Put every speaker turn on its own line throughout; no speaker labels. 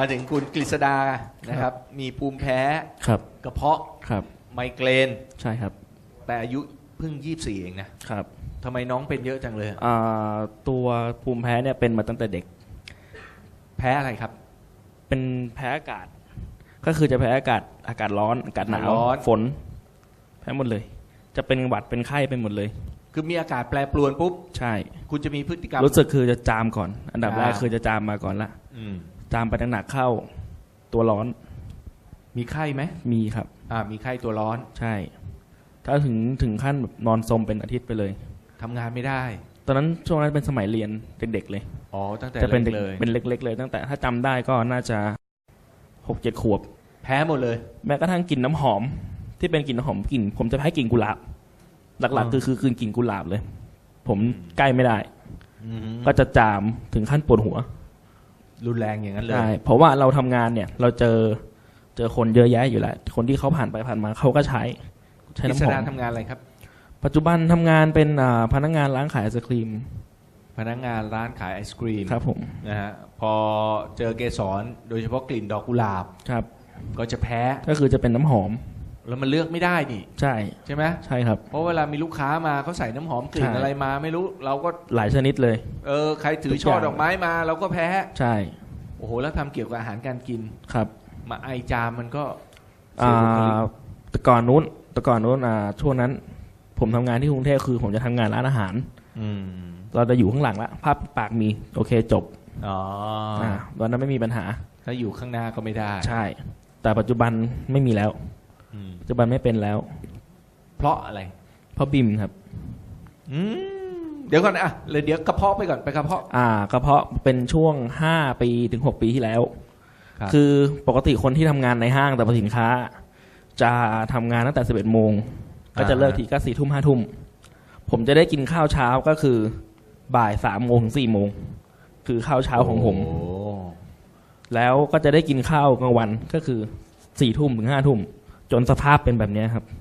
มาถึงคุณกฤษดานะครับมีภูมิแพ้
ครับ
กระเพาะ
ครับ
ไมเกรน
ใช่ครับ
แต่อายุเพิ่ง24เองนะครับทำไมน้องเป็นเยอะจังเลย
ตัวภูมิแพ้เนี่ยเป็นมาตั้งแต่เด็ก
แพ้อะไรครับ
เป็นแพ้อากาศก็คือจะแพ้อากาศร้อนอากาศหนาวฝนแพ้หมดเลยจะเป็นหวัดเป็นไข้เป็นหมดเลย
คือมีอากาศแปรปรวนปุ๊บ
ใช่
คุณจะมีพฤติกรรม
รู้สึกคือจะจามก่อนอันดับแรกคือจะจามมาก่อนละจามไปหนักๆเข้าตัวร้อน
มีไข้ไหม
มีครับ
มีไข้ตัวร้อน
ใช่ถ้าถึงขั้นแบบนอนสมเป็นอาทิตย์ไปเลย
ทำงานไม่ได้
ตอนนั้นช่วงนั้นเป็นสมัยเรียนเด็กๆเลย
ตั้งแต่
จะเป็น
เด็กเลย
เป็นเล็กๆเลยตั้งแต่ถ้าจำได้ก็น่าจะ 6-7 ขวบ
แพ้หมดเลย
แม้กระทั่งกลิ่นน้ำหอมที่เป็นกลิ่นน้ำหอมกลิ่นผมจะแพ้กลิ่นกุหลาบหลักๆคือกลิ่นกุหลาบเลยผมใกล้ไม่ได้ก็จะจามถึงขั้นปวดหัว
รุนแรงอย่างนั้นเลย
ใช่เพราะว่าเราทำงานเนี่ยเราเจอคนเยอะแยะอยู่แล้วคนที่เขาผ่านไปผ่านมาเขาก็ใช้
น้ำหอมทำงานอะไรครับ
ปัจจุบันทำงานเป็นพนักงานร้านขายไอศครีม
พนักงานร้านขายไอศครีม
ครับผม
นะฮะพอเจอเกสรโดยเฉพาะกลิ่นดอกกุหลาบ
ครับ
ก็จะแพ้
ก็คือจะเป็นน้ำหอม
แล้วมันเลือกไม่ได้นี่
ใช่
ไหม
ใช่ครับ
เพราะเวลามีลูกค้ามาเขาใส่น้ำหอมกลิ่นอะไรมาไม่รู้เราก็
หลายชนิดเลย
ใครถือช่อดอกไม้มาเราก็แพ้
ใช่
โอ้โหแล้วทำเกี่ยวกับอาหารการกิน
ครับ
มาไอจามมันก็
แต่ก่อนนู้นช่วงนั้นผมทำงานที่กรุงเทพคือผมจะทำงานร้านอาหารเราจะอยู่ข้างหลังละภาพปากมีโอเคจบตอนนั้นไม่มีปัญหา
ถ้าอยู่ข้างหน้าก็ไม่ได้
ใช่แต่ปัจจุบันไม่มีแล้วปัจจุบันไม่เป็นแล้ว
เพราะอะไร
เพราะบิมครับ
เดี๋ยวก่อนเลยเดี๋ยวกระเพาะไปก่อนไปกระเพาะ
กระเพาะเป็นช่วง5 ปีถึง 6 ปีที่แล้วคือปกติคนที่ทำงานในห้างแต่สินค้าจะทำงานตั้งแต่11 โมงก็จะเลิกทีก็4 ทุ่ม 5 ทุ่มผมจะได้กินข้าวเช้าก็คือบ่าย 3 โมงถึง 4 โมงคือข้าวเช้าของผมแล้วก็จะได้กินข้าวกลางวันก็คือ4 ทุ่มถึง 5 ทุ่มจนสภาพเป็นแบบนี้ครับ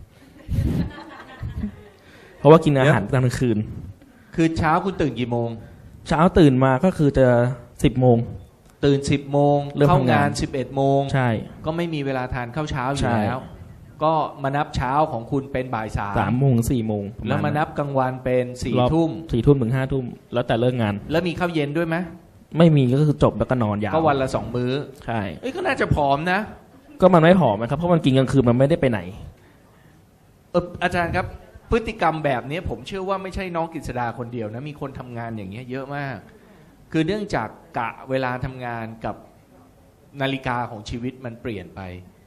เพราะว่ากินอาหารกลางคืน
คือเช้าคุณตื่นกี่โมง
เช้าตื่นมาก็คือจะ10 โมง
ตื่น10 โมงเข้างาน11 โมง
ใช่
ก็ไม่มีเวลาทานข้าวเช้าอยู่แล้วก็มานับเช้าของคุณเป็นบ่าย
3 โมงถึง 4 โมง
แล้วมานับกลางวันเป็น4 ทุ่ม
4 ทุ่มถึง 5 ทุ่มแล้วแต่เลิกงาน
แล้วมีข้าวเย็นด้วยไหม
ไม่มีก็คือจบแล้วก็นอนยาว
ก็วันละ2 มื้อ
ใช่
ก็น่าจะผอมนะ
ก็มันไม่ผอมนะครับเพราะมันกินกลางคืนมันไม่ได้ไปไหน
อาจารย์ครับพฤติกรรมแบบนี้ผมเชื่อว่าไม่ใช่น้องกฤษดาคนเดียวนะมีคนทำงานอย่างเงี้ยเยอะมากคือเนื่องจากกะเวลาทำงานกับนาฬิกาของชีวิตมันเปลี่ยนไป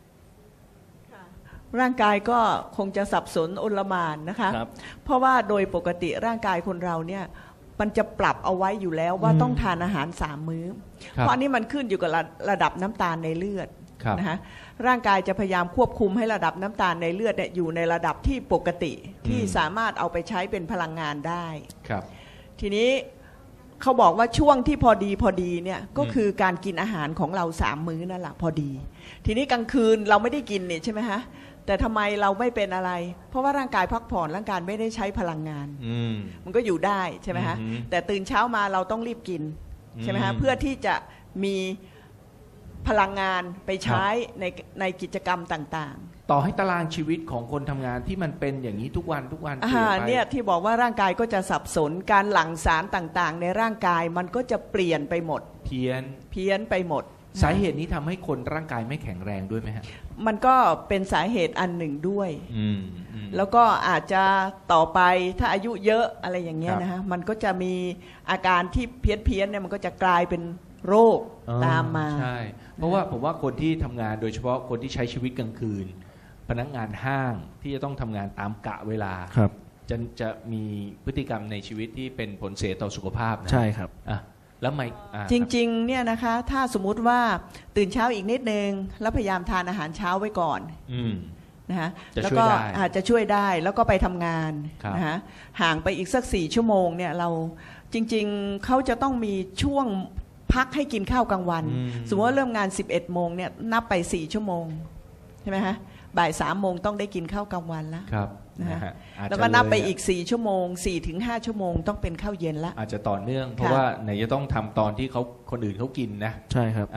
ร่างกายก็คงจะสับสนโอลหม่านนะคะเพราะว่าโดยปกติร่างกายคนเราเนี่ยมันจะปรับเอาไว้อยู่แล้วว่าต้องทานอาหาร3 มื้อเพราะอันนี้มันขึ้นอยู่กับระดับน้ำตาลในเลือดนะคะร่างกายจะพยายามควบคุมให้ระดับน้ำตาลในเลือดเนี่ยอยู่ในระดับที่ปกติที่สามารถเอาไปใช้เป็นพลังงานได้ทีนี้เขาบอกว่าช่วงที่พอดีเนี่ยก็คือการกินอาหารของเรา3 มื้อนั่นแหละพอดีทีนี้กลางคืนเราไม่ได้กินเนี่ยใช่ไหมฮะแต่ทำไมเราไม่เป็นอะไรเพราะว่าร่างกายพักผ่อนร่างกายไม่ได้ใช้พลังงานมันก็อยู่ได้ใช่ไหมฮะแต่ตื่นเช้ามาเราต้องรีบกินใช่ไหมฮะเพื่อที่จะมีพลังงานไปใช้ในกิจกรรมต่าง
ๆต่อให้ตารางชีวิตของคนทำงานที่มันเป็นอย่างนี้ทุกวันเปลี่ยนไป
เนี่ยที่บอกว่าร่างกายก็จะสับสนการหลั่งสารต่างๆในร่างกายมันก็จะเปลี่ยนไปหมด
เพี้
ยนไปหมด
สาเหตุนี้ทำให้คนร่างกายไม่แข็งแรงด้วยไหมฮะ
มันก็เป็นสาเหตุอันหนึ่งด้วยแล้วก็อาจจะต่อไปถ้าอายุเยอะอะไรอย่างเงี้ยนะฮะมันก็จะมีอาการที่เพี้ยนเนี่ยมันก็จะกลายเป็นโรคตามมา
ใช่เพราะว่าผมว่าคนที่ทำงานโดยเฉพาะคนที่ใช้ชีวิตกลางคืนพนักงานห้างที่จะต้องทำงานตามกะเวลาจะมีพฤติกรรมในชีวิตที่เป็นผลเสียต่อสุขภาพนะ
ใช่ครับ
แล้วไม่
จริงๆเนี่ยนะคะถ้าสมมุติว่าตื่นเช้าอีกนิดนึงแล้วพยายามทานอาหารเช้าไว้ก่อนนะคะแล้วก็อาจจะช่วยได้แล้วก็ไปทำงานนะคะห่างไปอีกสัก4 ชั่วโมงเนี่ยเราจริงๆเขาจะต้องมีช่วงพักให้กินข้าวกลางวันสมมติว่าเริ่มงาน11 โมงเนี่ยนับไป4 ชั่วโมงใช่ไหมฮะบ่าย 3 โมงต้องได้กินข้าวกลางวันแล้วแล้วก็นับไปอีก4 ชั่วโมง4 ถึง 5 ชั่วโมงต้องเป็นข้าวเย็นละ
อาจจะต่อเนื่องเพราะว่าไหนจะต้องทำตอนที่เขาคนอื่นเขากินนะ
ใช่ครับ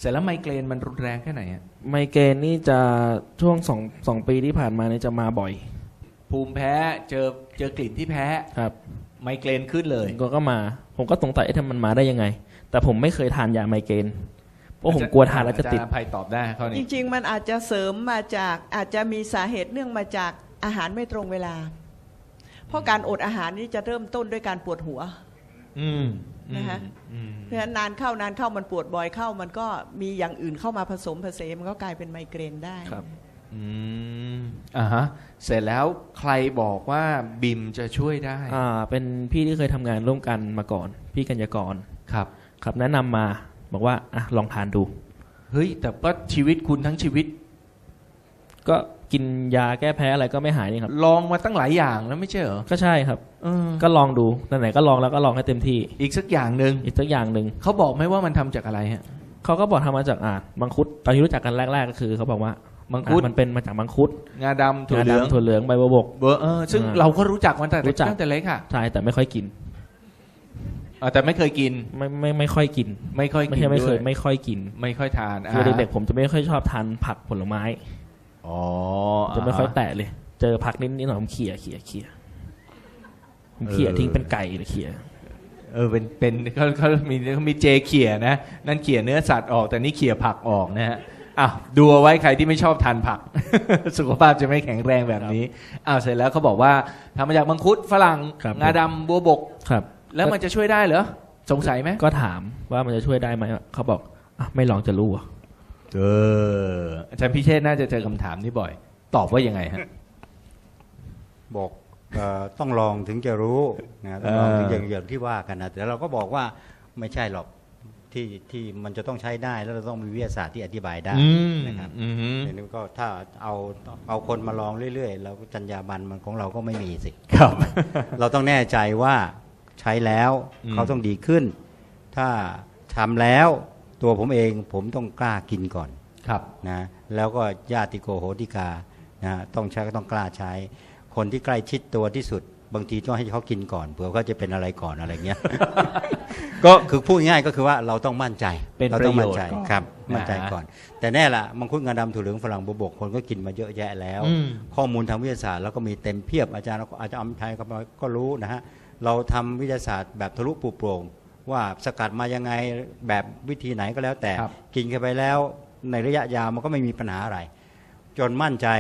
เสร็จแล้วไมเกรนมันรุนแรงแค่ไหนฮะ
ไมเกรนนี่จะช่วงสองปีที่ผ่านมาเนี่ยจะมาบ่อย
ภูมิแพ้เจอกลิ่นที่แพ้
ครับ
ไมเกรนขึ้นเลย
ก็มาผมก็สงสัยทำมันมาได้ยังไง แต่ผมไม่เคยทานยาไมเกรนเพราะผมกลัวทานแล้วจะติด
อาจารย์อภัยตอบได้ข้อ
จ
นี้
ริงๆมันอาจจะเสริมมาจากอาจจะมีสาเหตุเนื่องมาจากอาหารไม่ตรงเวลา เพราะการอดอาหารนี่จะเริ่มต้นด้วยการปวดหัว
อืม
นะคะ
อืม
เพราะฉะนั้นนานเข้ามันปวดบ่อยเข้ามันก็มีอย่างอื่นเข้ามาผสมผสมมันก็กลายเป็นไมเกรนได้
ครับ
อืมอ่าฮะเสร็จแล้วใครบอกว่าบิมจะช่วยได้
เป็นพี่ที่เคยทำงานร่วมกันมาก่อน พี่กัญญากร
ครับ
ครับแนะนำมาบอกว่าอ่ะลองทานดู
เฮ้ยแต่ก็ชีวิตคุณทั้งชีวิต
ก็กินยาแก้แพ้อะไรก็ไม่หายนี่ครับ
ลองมาตั้งหลายอย่างแล้วไม่ใช่เหรอ
ก็ใช่ครับ
เออ
ก็ลองดูไหนๆก็ลองแล้วก็ลองให้เต็มที่
อีกสักอย่างหนึ่ง
อีกสักอย่างหนึ่ง
เขาบอกไหมว่ามันทำจากอะไรฮะ
เขาก็บอกทำมาจากมังคุดตอนที่รู้จักกันแรกๆก็คือเขาบอกว่า
มังคุด
มันเป็นมาจากมังคุด
งาดำถั่วเหลือง
งาดำถั่วเหลืองใบบัวบก
เบอร์ซึ่ง
อ่า
เราก็รู้จักมันแต่
รู้จัก
ตั้งแต่เล็กค่ะ
ใช่แต่ไม่ค่อยกิน
แต่ไม่เคยกิน
ไม่ค่อยกิน
ไม่ค่อย
ไม่
กิน
ใช่ไม่เค
ด้วย ย
ไม่ค่อยกิน
ไม่ค่อยทาน
คือเด็กๆผมจะไม่ค่อยชอบทานผักผลไม้
อ๋อ
จะไม่ค่อยแตะเลย เจอผักนิดหน่อยผมเขี่ยผมเขี่ยทิ้งเป็นไก่เลยเขี่ย
เป็นเขามีเจเขี่ยนะนั่นเขี่ยเนื้อสัตว์ออกแต่นี่เขี่ยผักออกนะฮะอ้าวดูเอาไว้ใครที่ไม่ชอบทานผัก สุขภาพจะไม่แข็งแรงแบบนี้อ้าวเสร็จแล้วเขาบอกว่าทำมาจากมังคุดฝรั่ง
ครับ
งาดำบัวบก
ครับ
แล้วมันจะช่วยได้เหรอสงสัยไหม
ก็ถามว่ามันจะช่วยได้ไหมเขาบอกอ่ะไม่ลองจะรู้อ่ะ
อาจารย์พิเชษฐ์น่าจะเจอคำถามนี้บ่อย ตอบว่ายังไงฮะ
บอกต้องลองถึงจะรู้นะต้องลองถึงอย่างที่ว่ากันนะแต่เราก็บอกว่าไม่ใช่หรอกที่มันจะต้องใช้ได้แล้วเราต้องมีวิทยาศาสตร์ที่อธิบายได้นะครับอย่างนี้ก็ถ้าเอาคนมาลองเรื่อยๆแล้วจรรยาบรรณมันของเราก็ไม่มีสิ
ครับ
เราต้องแน่ใจว่าใช้แล้วเขาต้องดีขึ้น ถ้าทำแล้วตัวผมเองผมต้องกล้ากินก่อน
ครับ
นะแล้วก็ญาติโกโหติกานะต้องใช้ก็ต้องกล้าใช้ คนที่ใกล้ชิดตัวที่สุดบางทีต้องให้เขากินก่อนเผื่อเขาจะเป็นอะไรก่อนอะไรเงี้ย ก็คือพูดง่ายก็คือว่าเราต้องมั่นใจ
เป็น
เรา
ป
ต้
ระ
อง
โย
มั่
ช
น
น์
ใจ
ก่อน
ครับมั่นใจ
นะฮะ
ก่อน แต่แน่ละมังคุดงาดำถั่วเหลืองฝรั่งบัวบกคนก็กินมาเยอะแยะแล้ว ข้อมูลทางวิทยาศาสตร์แล้วก็มีเต็มเพียบอาจารย์อำไทยก็รู้นะฮะเราทำวิทยาศาสตร์แบบทะลุปลุกโปร่งว่าสกัดมายังไงแบบวิธีไหนก็แล้วแต่
ครับ
กินเข้าไปแล้วในระยะยาวมันก็ไม่มีปัญหาอะไร จนมั่นใจ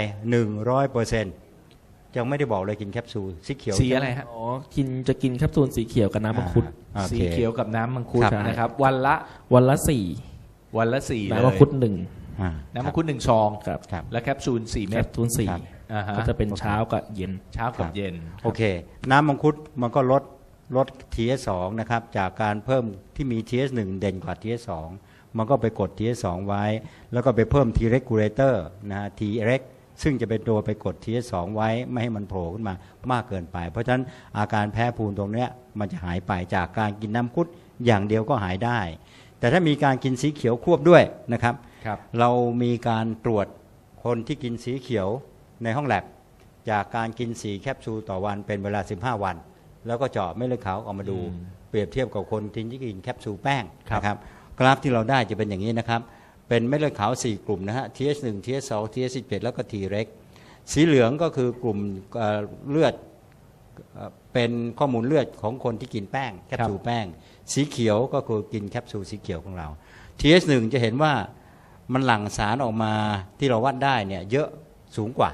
100%ยังไม่ได้บอกเลยกินแคปซูลสีเขียว
สีอะไรฮะ
อ๋อจะกินแคปซูลสีเขียวกับน้ำมังคุด
โอ
สี
เค
เขียวกับน้ำมังคุด
ครับ
นะครับ วันละ
วันละ
วันละ4
4
เลย
น้ำมังคุด1
อ่า
น้ำมังคุด1ซอง
ครับ
ครับ
และแคปซูล4
แค
เม็ด
ปซูล
ครับ
อ่าฮะ
4ก็จะเป็นเช้ากับเย็น
เช้ากับเย็น
โอเค น้ำมังคุดมันก็ลด TS2 นะครับจากการเพิ่มที่มี TS1 เด่นกว่า TS2 มันก็ไปกด TS2 ไว้ แล้วก็ไปเพิ่ม T regulator นะฮะ Treg ซึ่งจะเป็นตัวไปกด TS2 ไว้ไม่ให้มันโผล่ขึ้นมามากเกินไป เพราะฉะนั้นอาการแพ้ภูมิตรงเนี้ยมันจะหายไปจากการกินน้ำมังคุดอย่างเดียวก็หายได้ แต่ถ้ามีการกินสีเขียวควบด้วยนะครับ
ครับ
เรามีการตรวจคนที่กินสีเขียวในห้องแลบจากการกิน4แคปซูลต่อวันเป็นเวลา15 วัน แล้วก็เจาะเม็ดเลือดขาวออกมาดู เปรียบเทียบกับคนที่กินแคปซูลแป้งนะครับกราฟที่เราได้จะเป็นอย่างนี้นะครับเป็นเม็ดเลือดขาว4กลุ่มนะฮะ TH1 TH2 TH17 แล้วก็ Treg สีเหลืองก็คือกลุ่มเลือดเป็นข้อมูลเลือดของคนที่กินแป้งแคปซูลแป้งสีเขียวก็คือกินแคปซูลสีเขียวของเรา TH1 จะเห็นว่ามันหลั่งสารออกมาที่เราวัดได้เนี่ยเยอะสูงกว่า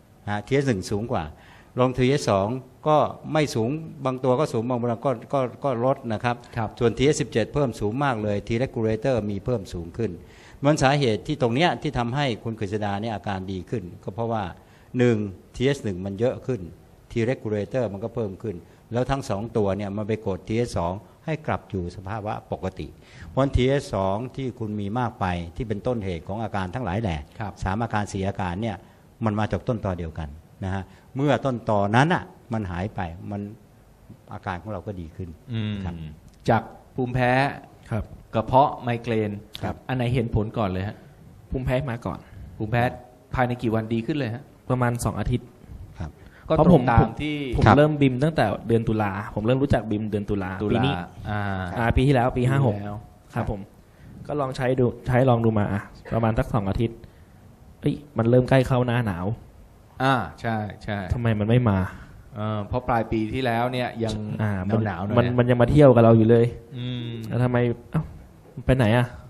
TH1 สูงกว่าลง TH2 ก็ไม่สูงบางตัวก็สูงบางตัวก็ลดนะครับ
ครับ
ส่วน TH17 เพิ่มสูงมากเลย T regulator มีเพิ่มสูงขึ้นมันสาเหตุที่ตรงเนี้ยที่ทำให้คุณกฤษดาเนี่ยอาการดีขึ้นก็เพราะว่า1 TH1 มันเยอะขึ้น T regulator มันก็เพิ่มขึ้นแล้วทั้ง2ตัวเนี่ยมันไปกด TH2 ให้กลับอยู่สภาวะปกติเพราะ TH2 ที่คุณมีมากไปที่เป็นต้นเหตุของอาการทั้งหลายแหละ
ครับ
3อาการ4อาการเนี่ยมันมาจากต้นตอเดียวกันนะฮะเมื่อต้นตอนั้นอ่ะมันหายไปมันอาการของเราก็ดีขึ้น ครับ
จากภูมิแพ้
ครับ
กระเพาะไมเกรน
ครับ
อันไหนเห็นผลก่อนเลยฮะ
ภูมิแพ้มาก่อน
ภูมิแพ้ภายในกี่วันดีขึ้นเลยฮะ
ประมาณ2อาทิตย์
ครับ
ก็
เพราะ
ตร
ผ
ง
ม
ตามที่
ผม
ครับ
เริ่มบิมตั้งแต่เดือนตุลาผมเริ่มรู้จักบิมเดือนตุลา
ตุ
ปี
ลา
นี้
อ่า
ปีที่แล้วปี
แล้ว
56ครับผมก็ลองลองดูมาประมาณสัก2 อาทิตย์เอ้ยมันเริ่มใกล้เข้าหน้าหนาว
ใช่ใช่
ทำไมมันไม่มา
เพราะปลายปีที่แล้วเนี่ยยังหนาวๆหน่อย
มันยังมาเที่ยวกับเราอยู่เลย
อืม
แล้วทำไมไปไหน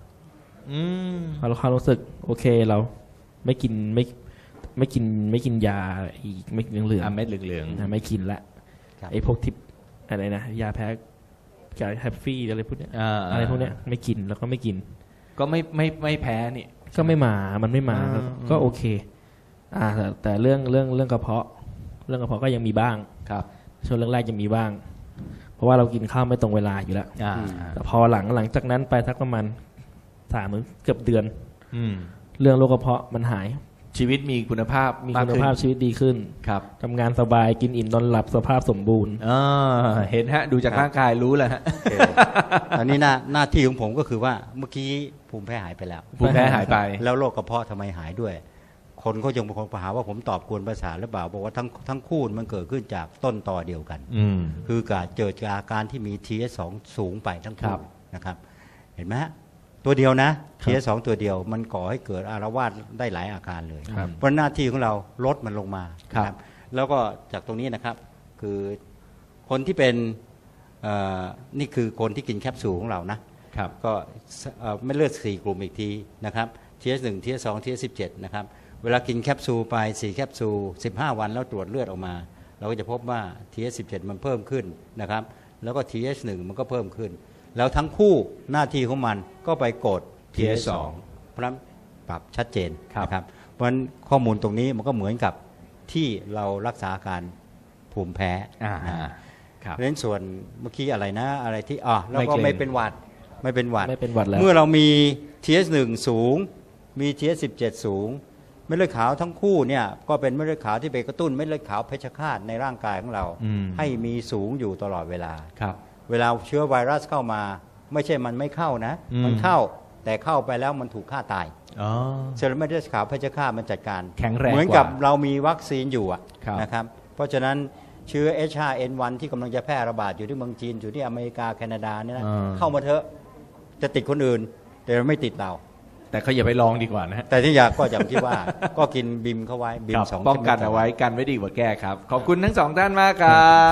เรารู้สึกโอเคเราไม่กินยาอีกไม่กินเหลือง
เม็ดเหลือง
ไม่กินละ
ครับ
ไอ้พวกทิปอะไรนะยาแพ้ยาแฮปปี้อะไรพวกเนี้ย
ๆ
อะไรพวกเนี้ยไม่กินแล้วก็ไม่กิน
ก็ไม่แพ้นี่
ก็ไม่มามันไม่มา ก็โอเคแต่เรื่องกระเพาะก็ยังมีบ้าง
ครับ
ช่วงแรกๆยังมีบ้าง เพราะว่าเรากินข้าวไม่ตรงเวลาอยู่แล้วแต่พอหลังจากนั้นไปสักประมาณเกือบเดือนเรื่องโรคกระเพาะมันหาย
ชีวิตมีคุณภาพ
มีคุณภาพชีวิตดีขึ้น
ครับ
ทำงานสบายกินอิ่มนอนหลับสภาพสมบูรณ์
เห็นฮะดูจากร่างกายรู้แล้วฮะ
โอเคอันนี้หน้าที่ของผมก็คือว่าเมื่อกี้ภูมิแพ้หายไปแล้ว
ภูมิแพ้หายไป
แล้วโรคกระเพาะทำไมหายด้วย คนเขายังบางคนหาว่าผมตอบกวนประสาทหรือเปล่าบอกว่าทั้งคู่มันเกิดขึ้นจากต้นตอเดียวกัน คือการเกิดจากอาการที่มี TS2 สูงไปทั้ง
ครั
คู่
บ
นะครับ เห็นไหมฮะตัวเดียวนะ TS2 ตัวเดียวมันก่อให้เกิดอาละวาดได้หลายอาการเลย
ครับ
เพราะหน้าที่ของเราลดมันลงมา
ครับ
นะแล้วก็จากตรงนี้นะครับคือคนที่เป็นนี่คือคนที่กินแคปซูลของเรานะครับ ก็ไม่เลือด4 กลุ่มอีกทีนะครับ TS1 TS2 TS17 นะครับเวลากินแคปซูลไป4 แคปซูล15 วันแล้วตรวจเลือดออกมา เราก็จะพบว่า TS17 มันเพิ่มขึ้นนะครับแล้วก็ TS1 มันก็เพิ่มขึ้น แล้วทั้งคู่หน้าที่ของมันก็ไปกด TS2 เพราะฉะนั้นปรับชัดเจนนะครับเพราะฉะนั้นข้อมูลตรงนี้มันก็เหมือนกับที่เรารักษาอาการภูมิแพ้เพราะฉะนั้นส่วนเมื่อกี้อะไรนะอะไรที่แล้วก็ไม่เป็นหวัด
แล้ว
เมื่อเรามี TS1 สูงมี TS17 สูงเม็ดเลือดขาวทั้งคู่เนี่ยก็เป็นเม็ดเลือดขาวที่ไปกระตุ้นเม็ดเลือดขาวเพชฌฆาตในร่างกายของเราให้มีสูงอยู่ตลอดเวลาเวลาเชื้อไวรัสเข้ามาไม่ใช่มันไม่เข้านะมันเข้าแต่เข้าไปแล้วมันถูกฆ่าตายเซลล์เม็ดเลือดขาวเพชฌฆาตมันจัดการ
แข็งแรง
เหมือนกับเรามีวัคซีนอยู่
ครับ
นะครับเพราะฉะนั้นเชื้อ H5N1 ที่กำลังจะแพร่ระบาดอยู่ที่เมืองจีนอยู่ที่อเมริกาแคนาดาเนี่ยนะเข้ามาเถอะจะติดคนอื่นแต่ไม่ติดเรา
แต่เขาอย่าไปลองดีกว่านะฮะ
แต่ที่อยากก็อย่างที่ว่า ก็กินบิมเข้าไว้บิม
ครับ
2
ป้องกันเอาไว้กันไว้ดีกว่าแก้ครับ ขอบคุณทั้ง2ท่านมากครับ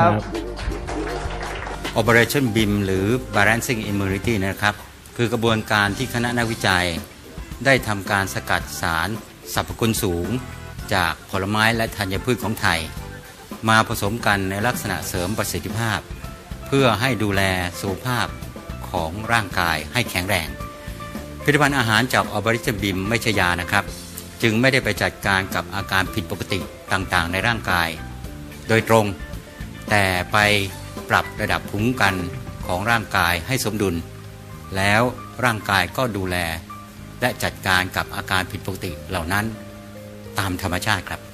Operation BIM หรือ Balancing Immunity นะครับคือกระบวนการที่คณะนักวิจัยได้ทำการสกัดสารสรรพคุณสูงจากผลไม้และธัญพืชของไทย มาผสมกันในลักษณะเสริมประสิทธิภาพ เพื่อให้ดูแลสุขภาพของร่างกายให้แข็งแรงผลิตภัณฑ์อาหารจาก Operation BIM ไม่ใช่ยานะครับจึงไม่ได้ไปจัดการกับอาการผิดปกติต่างๆในร่างกายโดยตรงแต่ไปปรับระดับภูมิคุ้มกันของร่างกายให้สมดุลแล้วร่างกายก็ดูแลและจัดการกับอาการผิดปกติเหล่านั้นตามธรรมชาติครับ